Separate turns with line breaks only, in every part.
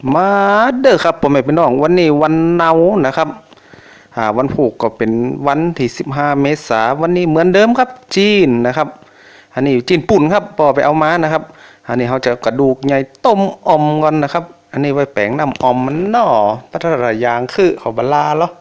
มาเด้อครับพ่อแม่พี่น้องวันนี้วันเนานะครับวันผูกก็เป็นวันที่15 เมษายนวันนี้เหมือนเดิมครับจีนนะครับอันนี้จีนปุ่นครับปอไปเอามานะครับอันนี้เขาจะกระดูกใหญ่ต้มอมก่อนนะครับอันนี้ไว้แปลงน้ำอมมันหน่อพัฒนายางคือเขาบลาเหรอ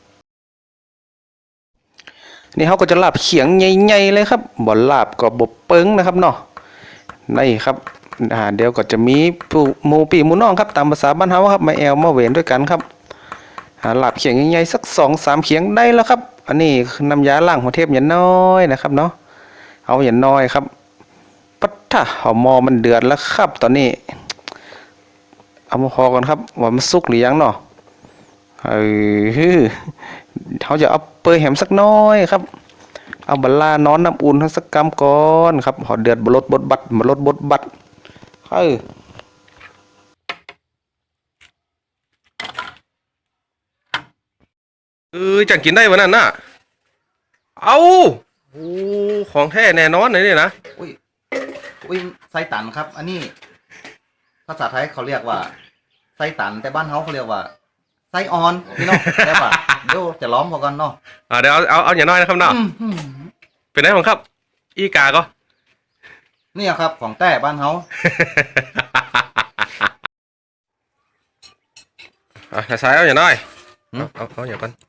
นี่เขาก็จะลาบเขียงใหญ่ๆเลยครับบ่ลาบก็บ่เปิ้งนะครับเนาะนี่ครับเดี๋ยวก็จะมีหมูปีหมูน้องครับตามภาษาบ้านเฮาครับมาแอวมาเวนด้วยกันครับลาบเขียงใหญ่ๆสัก2-3 เขียงได้แล้วครับอันนี้น้ำยาล้างหัวเทพอย่าน้อยนะครับเนาะเอาอย่าน้อยครับปัทธะหอมอมันเดือดแล้วครับตอนนี้เอามาพอกันครับว่ามันสุกหรือยังเนาะเขาจะเอาเปยแหมสักน้อยครับเอาบัลลานอนน้ำอุ่นทั้งสักกำก่อนครับหอเดือดบลดบดบัดบลดบดบัดจังกินได้วันนั้นน่ะเอาโอ้ของแท้แน่นอนเลยนี่นะ
อุ้ยอุ้ยไส้ตันครับ อันนี้ภาษาไทยเขาเรียกว่าไส้ตันแต่บ้านเขาเรียกว่าไส้ออนพี่น้องได้ป่ะเดี๋ยวจะล้อมพอกันเนาะ
เดี๋ยวเอาอย่างน้อยนะครับเนาะเป็นไงของครับอีกาก็
นี่ครับของแต่บ้านเขา
ใช้เอาอย่างน้อยเอาอย่างกัน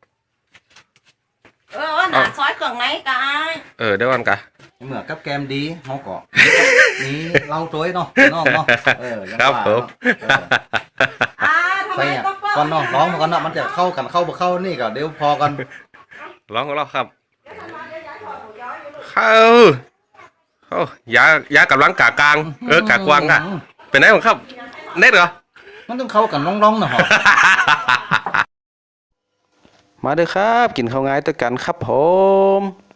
หนาซอยเครื่องไหนกัน
เดี๋ยวก่อนกะ
เหมือนกับแกมดีเขาก็นี่เล่าตัวเนาะน้องเนาะ
ครับผม
ใส่ก่อนเนาะร้องมาก่อนเนาะมันจะเข้ากันเข้าบ่เข้านี่ก็เดี๋ยวพอกัน
ร้องของเราครับยากำลังกากลางกากวางอะเป็นไงของครับเน็ตเหรอ
มันต้องเข้ากันร้องๆหน่อย
มาเด้อครับกินข้าวง่ายด้วยกันครับผม